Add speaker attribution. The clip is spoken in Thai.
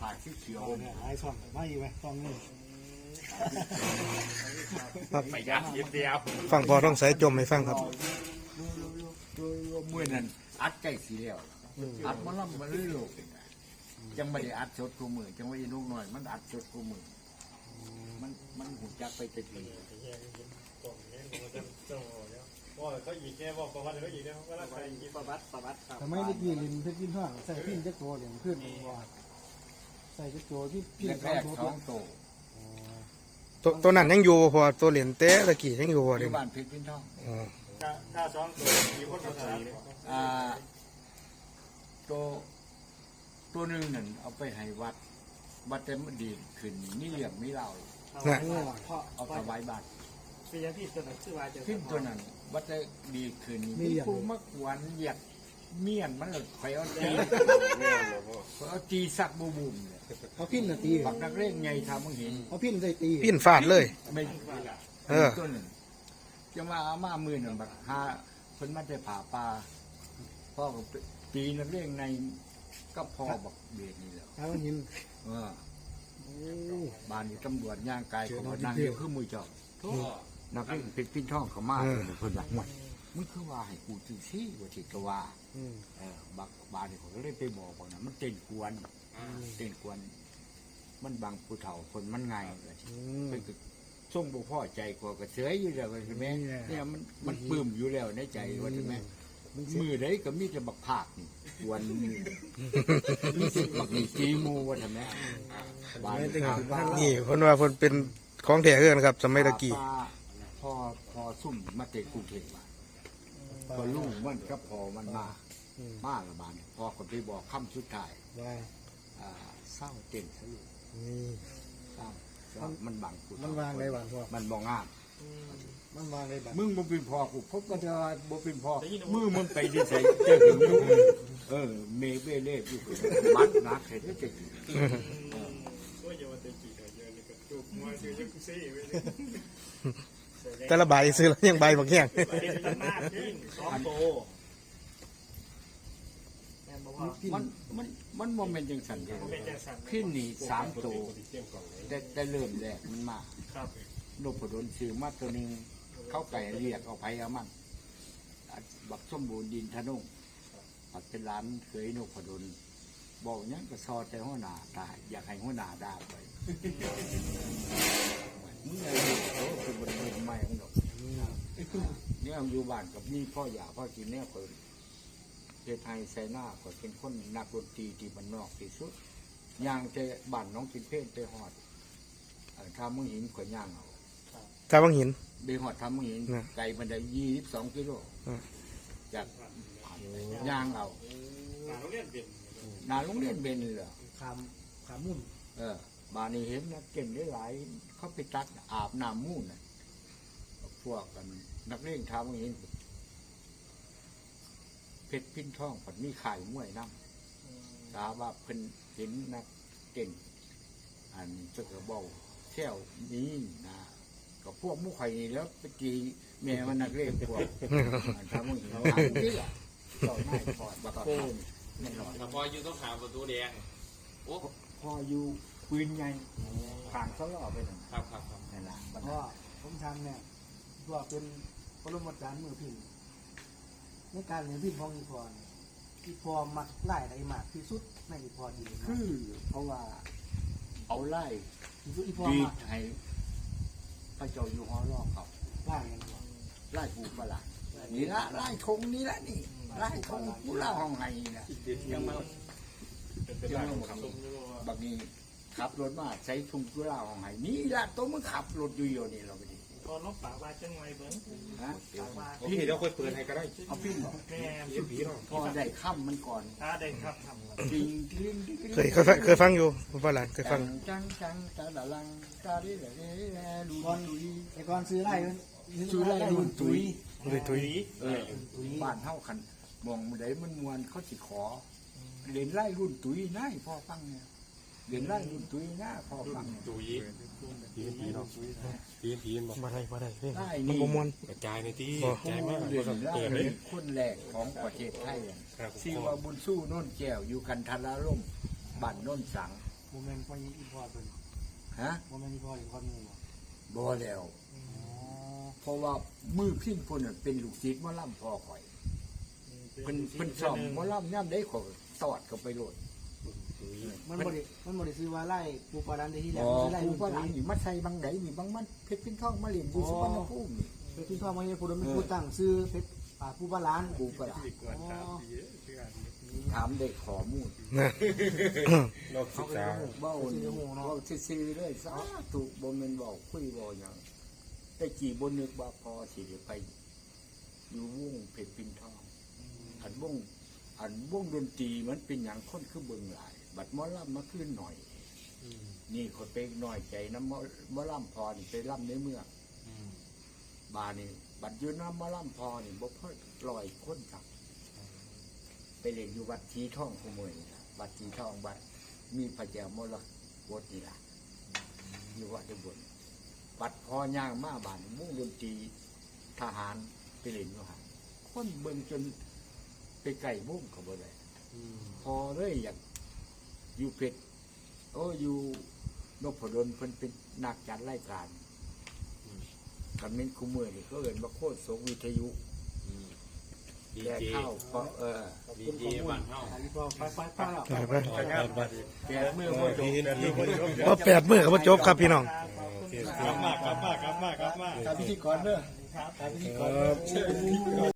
Speaker 1: ผ่าสีเขียว
Speaker 2: เนี่ยหายซ่องไม่ไหมซ่องนี่
Speaker 3: ไปยัดเดียว
Speaker 4: ฟังพอต้องใส่จมให้ฟังครับ
Speaker 1: ดูมือนั้นอัดใจสีแล้วอัดมาล่ำมาเรื่อยๆจังไม่ได้อัดสดกูมือจังไม่ได้นุ่งหน่อยมันอัดสดกูมือมันหุ่นจักไปตะกี้
Speaker 3: ก็อีกแค่บอกประวัติก็อีกแล้วก็แล้วไปอีกประวัติครับ
Speaker 2: แต่ไม่ได้กินลินเพชรกินห้างใส่พิ้นเจ๊กโตเหลี่ยมขึ้นว่าใส่เจ๊กโตที่พิ้น
Speaker 1: แรกๆท้องโต
Speaker 4: ตัวนั้นยังอยู่พอตัวเหรียญเต้ตะกี้ยังอยู่
Speaker 1: อ
Speaker 4: เดี๋ย
Speaker 1: ยู่
Speaker 4: ว
Speaker 1: บ้านเพชรพินทอง
Speaker 3: ถ้าซ้อมตัวมีคนมาใส่
Speaker 1: ตัวนึงนั่นเอาไปให้วัดเต็มดีขึ้นนี่เหลี่ยมไม่เล่า
Speaker 4: นะ
Speaker 1: เอาถวายบัตร
Speaker 3: เป็นยังพี่ตัวไหนชื่อว่าจะ
Speaker 1: ขึ้นตัวนั้นวัดจะดีขึ้นมีผู้มักหวานเหยียดเมียนมันเลยคอยเอาตีสักบูบุมเลย
Speaker 2: เอาพิ้นตี
Speaker 1: ปักนักเร่งไงทำมึงเห็น
Speaker 2: เอาพิ้นใส่ตี
Speaker 4: ปิ้นฟาดเลย
Speaker 1: ไม่
Speaker 4: เออ
Speaker 1: ตัวหนึ่งจะมาเอามามือหนึ่งแบบหาคนมาจะผ่าปลาพ่อก็ตีนักเร่งในก็พอบอกเบียดนี่แหละ
Speaker 2: เอาหิน
Speaker 1: บ้านอยู่ตำรวจย่างกายของนางเดียวคือมือจอบนักเร่งเป็นปิ้นท่องเขามาเลยคนหลักหมดมึงคือว่าให้กูจื้อซี่ว่าจิตว่าบักบานนี่ผมก็เลยไปบอกว่านะมันเต้นกวนมันบางผู้เฒ่าคนมันไงเป็นส่งบุพ่อใจกว่ากระเสยอยู่แล้วใช่ไหมเนี่ยมันปลื้มอยู่แล้วในใจว่าใช่ไหมมือได้ก็มีแต่บักผากนี่วันมือมีสิบักนี่จีมูว่าใช่ไหมบ้าน
Speaker 4: นี่คนว่าคนเป็นของแท้เกินครับสมัยตะกี้
Speaker 1: พอซุ่มมาเตะกรุงเทพมาพอลูกมันก็พอมันมาละบานพอคนไปบอกคำสุดท้าย
Speaker 2: ว่า
Speaker 1: เศร้าเต็มทะลุ
Speaker 2: นี่
Speaker 1: เศร้ามันบังกู
Speaker 2: มันวางได้หวานพอ
Speaker 1: มันบองงาม
Speaker 2: มันวางได้แบบ
Speaker 1: มึงบ่เป็นพ่อกูพบก็จะบ่เป็นพ่อมือมันไปดิใส่เจอถึงลูกเมเบเล่อยู่มัดนักเห็นได้จริง
Speaker 3: โอ้ยอย่ามาเตะกี่เยอะเลยก็จุกมาซื้อยังซี่ไว้เลย
Speaker 4: แต่ละใบซื้อแล้วยังใบบักแห้ง
Speaker 3: ไปเรียนหน้าพิ้นซ้อมโต
Speaker 1: มันโมเมนต์จังสันเลย
Speaker 3: เป็นจังสัน
Speaker 1: ขึ้นนี่3 ตัวได้เริ่มแรกมันมา
Speaker 3: ครับ
Speaker 1: นพดลซื้อมาตัวนึงเข้าไก่เรียกเอาไผเอามันบักสมบูรณ์ดินทะนุ่งปัดเป็นร้านเคยนพดลบอกยังก็ซอแต่หัวหน้าตายอยากให้หัวหน้าด่าไปมึงอะไรเขาคือบริเวณใหม่ของเราเนี่ยอยู่บ้านกับนี่พ่ออยากพ่อกินเนี่ยคนเจ้าไทยไซน่าก็เป็นคนนักดนตรีที่บ้านนอกที่สุดย่างเจบ้านน้องกินเพลนไปหอดทำมึงหินขวย่างเอา
Speaker 4: ถ้าบังหิน
Speaker 1: ไปหอดทำมึงหินไก่มันได้22 กิโลจากย่างเอา
Speaker 3: โรงเรียนเปลี่ยน
Speaker 1: นาโรงเรียนเบนเลย
Speaker 2: ขามมุ่น
Speaker 1: บ้านนี้เห็นนะเก่งได้หลายเขาไปตักอาบน้ำมูนนะพวกกันนักเล่นทำมึงหินเพชรพิ้นท่องผัดมีไข่มวยน้ำถามว่าเพิ่นเห็นนักเก่งอันเจ้ากระบอกแค่วนี้นะก็พวกมุขไข่นี่แล้วไปตีแม่มันนักเล่นพวกทำมึงเห็นทำนี่แหละต่อหน้าพอดบักโก้นี่หน่อย
Speaker 5: ถ้าพออยู่ต้องหาประตูแดงโอ้
Speaker 1: พออยู่ปืนใหญ่ขางเขาล่อไปหนึ่ง
Speaker 5: ครับ
Speaker 1: นั่นแหละ
Speaker 2: เพราะผมทำเนี่ยตัวเป็นปรมาจารย์มือพิ้นในการเรียนพิ้นของอีพรอีพอมักไล่ได้มากที่สุดในอีพอดี
Speaker 1: คือเพราะว่าเอาไล่
Speaker 2: ที่สุดอีพอ
Speaker 1: ดี
Speaker 2: มัก
Speaker 1: ให้พระเจ้าอยู่หอรอบเขา
Speaker 2: ไล่กันก่อน
Speaker 1: ไล่ปูประหลาดนี่ละไล่ธงนี่ละนี่ไล่ธงกูเล่าห้องไห้นะยังมาบางทีขับรถมาใช้ทุ่งกูเล่าห้องไห้นี่ละตัวมึงขับรถอยู่อยู่นี่เราไปดิ
Speaker 3: พอน้องปากว่าจังไงเบิ้ง
Speaker 1: ฮะ
Speaker 5: พี่เราค่อยเปิดให้ก็ได้
Speaker 1: เอาพี่บอก
Speaker 3: แม่
Speaker 5: ผีเนาะ
Speaker 1: พอได้ค่ำมันก่อน
Speaker 3: ถ้าได้ครับทำ
Speaker 1: จริงจริง
Speaker 4: เคยฟังอยู่พ่อหลานเคยฟัง
Speaker 1: จังตาละลังตาดิแหล่ดู
Speaker 2: ก่อน
Speaker 1: ตุย
Speaker 2: แต่ก่อนซื้อไล่
Speaker 1: ซื้อไล่รุ่นตุย
Speaker 4: เลยตุย
Speaker 1: บ้านเท่าคันมองมันได้มันมวนเขาสิขอเรียนไล่รุ่นตุยน่ายพ่อฟังเนี่ยเรียนไล่รุ่นตุยน่าพ่อฟัง
Speaker 5: ตุยผีเนาะผีบอก
Speaker 4: มาได้เฮ้ย
Speaker 1: ไล่
Speaker 4: มัน
Speaker 1: นี่
Speaker 4: บ่มวน
Speaker 5: กระจายในที่
Speaker 1: ผู้
Speaker 5: ใจมาก
Speaker 1: เรียนไล่
Speaker 5: เปิดเลย
Speaker 1: คนแรกของประเทศไทยชื่อว่าบุญสู้โน่นแก้วอยู่กันทาราล่มบ้านโน่นสัง
Speaker 2: โมเมนต์พ่ออีพอเป็น
Speaker 1: ฮะ
Speaker 2: โมเมนต์อีพอหรือพ่องูบ่
Speaker 1: บ่แล้วเพราะว่ามือพินพุ่นน่ะเป็นลูกศิษย์หมอลำพ่อข่อยเพิ่นสอบหมอลำย่ำได้ขอยตอดเข้าไปโลด
Speaker 2: มันบ่ได้ซื้อว่าไล่ปูปลาดันได้ที่แหล
Speaker 1: อ๋
Speaker 2: ม
Speaker 1: อ
Speaker 2: ซื้อไล่
Speaker 1: ผู้
Speaker 2: ลูก
Speaker 1: ว่าห
Speaker 2: ตุ้
Speaker 1: ลัง
Speaker 2: ย
Speaker 1: นี่มาใส่บางไหนนี่บางมันเพชรพินทองมาเรียนอยู่สุวรรณภูมินี่
Speaker 2: ไปที่พ่อมาเนี่ยผู้ดำเป็นผู้ตั้งซื้อเพชรปูปลาล้าน
Speaker 1: ผู้ว่าหลัง
Speaker 3: ที่กวนตามปีเชื่อ
Speaker 1: ถามได้ข้อมูล
Speaker 5: นอกศึ
Speaker 1: เขา
Speaker 5: ก
Speaker 1: ก็
Speaker 5: ษา
Speaker 1: เลยเว้านี่เว้าซื่อๆเลยสาธุบ่แม่นเว้าคุยเว้าหยังแต่กี่บ่นึกว่าพอสิได้ไปอยู่วงเพชรพินทองอันวงดนตรีมันเป็นหยังคนคือเบิ่งหลาย บัดหมอลำมาคืนหน่อย นี่คนไปหน่อยใจน้ำมะล่ำพอนี่ไปล่ำในเมืองบานี่บัดอยืนน้ำมะล่ำพอนี่บ่พอ100 คนครับ ไปเล่นอยู่วัดทีท่องขโมยนี่ล่ะวัดทีท่องวัดมีพระเจ้ามรกตนี่ล่ะอยู่วัดอุบลวัดพอย่างมาบานมุ่งดนตรีทหารไปเล่นอยู่หันคนเบิ่งจนไปไก่มุ่งเขาบ่ได้พอเลยอยากอยู่เพชร โอ้อยู่นพดลเพิ่นเป็นนักจัดรายการกันเป็นคู่มือนี่ก็เอิ้นว่าโคตรสงวิทยุแก่เข้าเพราะ
Speaker 3: ดีเจบ้านเฮา
Speaker 2: อีพอไปแล้ว
Speaker 1: แก่เมื่อบ่จบ
Speaker 4: ว่า8 มื้อก็บ่จบครับพี่น้อง
Speaker 3: กลับมากลับมา
Speaker 2: ตามพิธีกรเด้อตามพิธีกร